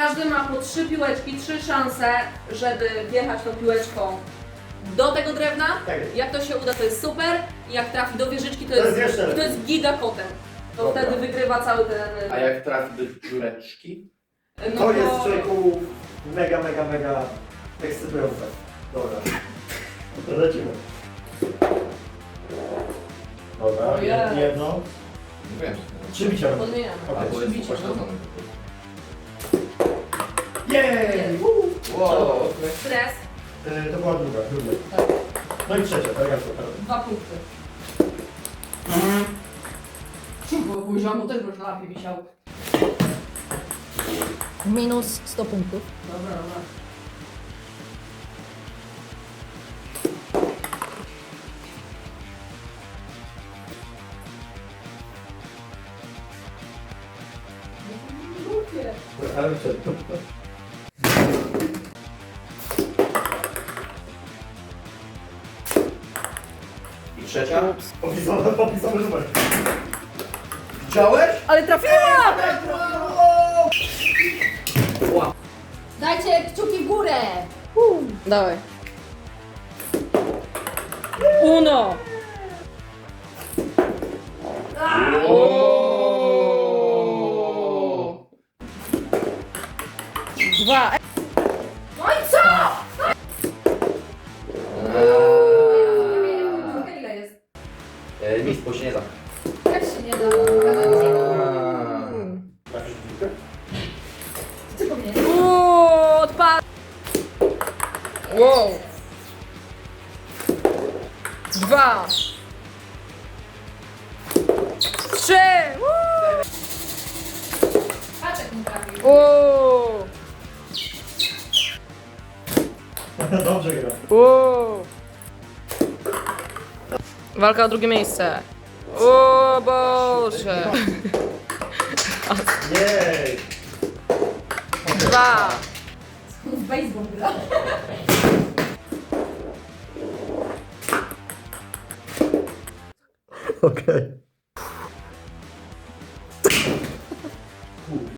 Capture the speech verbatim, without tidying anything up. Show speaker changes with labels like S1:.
S1: Każdy ma po trzy piłeczki, trzy szanse, żeby wjechać tą piłeczką do tego drewna.
S2: Tak.
S1: Jak to się uda, to jest super. I jak trafi do wieżyczki, to,
S2: To
S1: jest,
S2: jest jeszcze
S1: to
S2: lepiej.
S1: jest giga kotem. To
S2: Dobra.
S1: wtedy wygrywa cały ten...
S3: A jak trafi do dziureczki?
S1: no
S2: To jest człowieku mega, mega, mega ekscytujące. Dobra. To lecimy. Dobra,
S1: O jest.
S2: jedno.
S3: Wiem.
S2: Trzy bicia.
S1: Podmieniamy.
S2: Okej.
S3: Albo jest
S1: Bicie, no.
S3: upośledzony.
S2: Jej!
S3: Wow.
S1: Stres.
S2: Y, To była druga, druga.
S1: Tak.
S2: No i trzecia, tak jak to teraz.
S1: Dwa punkty. Bo poziomu też można lepiej wisiał.
S4: Minus sto punktów.
S1: Dobra, dobra. Głupie.
S2: Ale przed.
S3: I trzecia?
S2: Popisane, popisane numer.
S3: Widziałeś?
S1: Ale trafiła!
S4: Dajcie kciuki w górę!
S1: Dawaj. Uno.
S3: Ooo.
S1: Dwa.
S4: No i co? Ile jest?
S3: E, Nic, bo się nie da.
S4: Jak się nie da?
S2: Trafisz w piłkę?
S4: Ty powinieneś.
S1: Uuu, odpad. Wow. Dwa. Trzy.
S4: Paczek nie trafił.
S1: Uuu.
S2: Dobrze gra.
S1: Uuu. Walka o drugie miejsce. O Boże.
S2: Jej!
S1: Dwa.
S4: W baseball gra.
S2: Okej.